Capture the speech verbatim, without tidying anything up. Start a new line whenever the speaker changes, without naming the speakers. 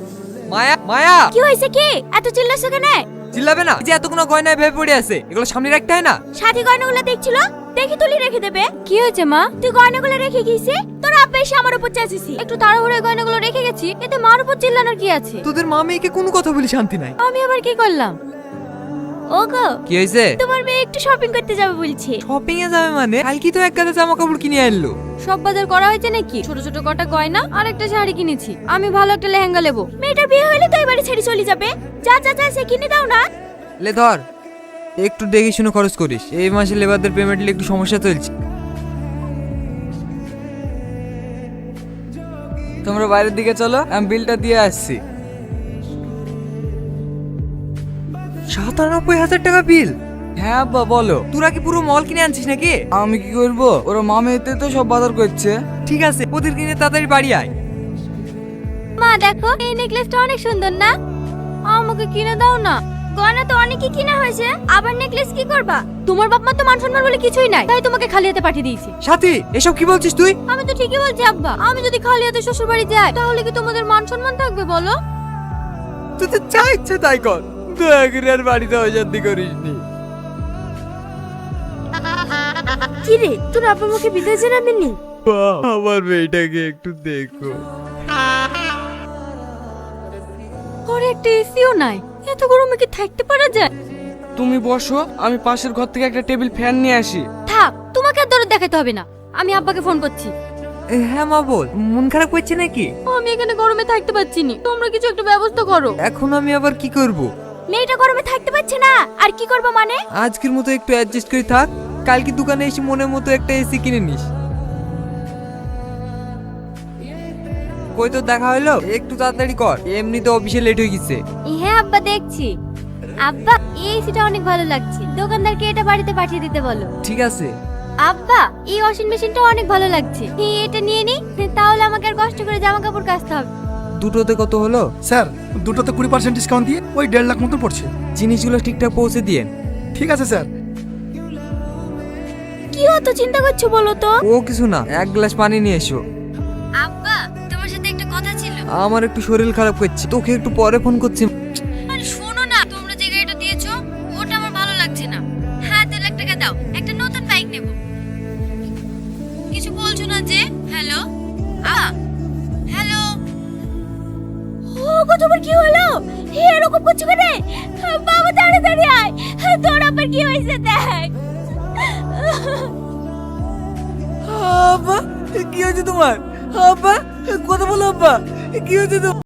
মায়া মায়া
কি হয়েছে কি এত চিল্লাছো কেন?
চিল্লাবে না, যে এতগুলো গয়নায় ভেবে পড়ে আছে, এগুলো সামনে রাখতে হয় না?
সাথী গয়নাগুলো দেখছিল, দেখি তুলি রেখে দেবে। কি হয়েছে মা? তুই গয়নাগুলো রেখে গেছিস, তোর আব্বা এসে আমার উপর চেঁচেছি। একটু তাড়াহুড়ো গয়নাগুলো রেখে গেছি, এতে মার উপর চিল্লানোর কি আছে?
তোদের মা মেয়েকে কোনো কথা বলি শান্তি নাই।
আমি আবার কি করলাম? ওগো
কি হয়েছে?
তোমার মেয়ে একটু শপিং করতে যাবে বলছে।
শপিং এ যাবে মানে? কালকে তো এক গাদা জামা কাপড় কিনে আনলো।
সব বাজার করা হয়েছে নাকি? ছোট ছোট কটা গয়না আর একটা শাড়ি কিনেছি। আমি ভালো একটা লেহেঙ্গা নেবো। মেয়েটার বিয়ে হলে তো এবারে ছেড়ে চলে যাবে। যা যা যা সে কিনে দাও না।
লে ধর, একটু দেখে শুনে খরচ করিস, এই মাসে লেবারদের পেমেন্টে একটু সমস্যা চলছে। তোমরা বাইরের দিকে চলো, আমি বিলটা দিয়ে আসছি। সাতানব্বই হাজার টাকা বিল? হ্যাঁ আব্বা বলো। তোরা কি পুরো মল কিনে আনছিস নাকি? আমি কি করবো, ওরা মামেতে তো সব বাজার করছে। ঠিক আছে, ওদের কিনে তাড়াতাড়ি বাড়ি আয়।
মা দেখো, এই নেকলেসটা অনেক সুন্দর না? আমাকে কিনে দাও না। গয়না তো অনেকই কিনা হয়েছে, আবার নেকলেস কি করবা? তোমার বাপ মা তো মান সম্মান বলে কিছুই নাই, তাই তোমাকে খালি হাতে পাঠিয়ে দিয়েছি।
সাথী, এসব কি বলছিস তুই?
আমি তো ঠিকই বলছি আব্বা। আমি যদি খালি হাতে শ্বশুর বাড়ি যাই, তাহলে কি তোমাদের মান সম্মান থাকবে বলো?
তুই তো যা ইচ্ছে তাই কর, দয়া করে আর বাড়িতে অশান্তি করিস নি।
কি রে, তোর আব্বা আমাকে বিদায় জানাবেনি?
আমার মেয়েটাকে একটু দেখো।
ঘরে একটা এসিও নাই, এত গরমে কি থাকতে পারা যায়?
তুমি বসো, আমি পাশের ঘর থেকে একটা টেবিল ফ্যান নিয়ে আসি।
থাক, তোমাকে আর দরদ দেখাতে হবে না। আমি আব্বাকে ফোন করছি।
এ, হ্যাঁ মা বল, মন খারাপ করছে নাকি?
আমি এখানে গরমে থাকতে পারছি না, তোমরা কিছু একটা ব্যবস্থা করো।
এখন আমি আবার কি করব?
মেয়েটা গরমে থাকতে পারছে না, আর কি করবো মানে?
আজকের মতো একটু অ্যাডজাস্ট করে থাক, কালকে দোকানে এসে মনের মতো একটা এসি কিনে নিস। কই তো দেখা হলো, একটু তাড়াতাড়ি কর, এমনিতে অফিসে লেট হয়ে গেছে।
হ্যাঁ আব্বা দেখছি। আব্বা এই এসিটা অনেক ভালো লাগছে, দোকানদারকে এটা বাড়িতে পাঠিয়ে দিতে বলো।
ঠিক আছে।
আব্বা এই ওয়াশিং মেশিনটা অনেক ভালো লাগছে, এই এটা নিয়ে নি, তাহলে আমাকে আর কষ্ট করে জামা কাপড় কাচতে হবে।
দুটোতে কত হলো?
স্যার দুটোতে কুড়ি পার্সেন্ট ডিসকাউন্ট দিয়ে ওই দেড় লাখ মতো পড়ছে।
জিনিসগুলো ঠিকঠাক পৌঁছে দিয়ে।
ঠিক আছে স্যার।
কি অত চিন্তা করছো বলো তো?
ও কিছু না, এক গ্লাস পানি নিয়ে এসো।
আব্বা তোমার সাথে একটা কথা ছিল।
আমার একটু শরীর খারাপ করছে, তোকে একটু পরে ফোন করছি।
আরে শোনো না, তোমরা যে গাড়িটা দিয়েছো ওটা আমার ভালো লাগছে না। হ্যাঁ দু লাখ টাকা দাও, একটা নতুন বাইক নেব। কিছু বলছো না যে? হ্যালো আ হ্যালো। ও গো, তোমার কি হলো? এরকম করছো কেন? বাবা তাড়াতাড়ি আয়, তোর আবার কি হয়েছে দেখ।
আব্বা কি হয়েছে তোমার? আব্বা কথা বলো, আব্বা কি হয়েছে তোমার?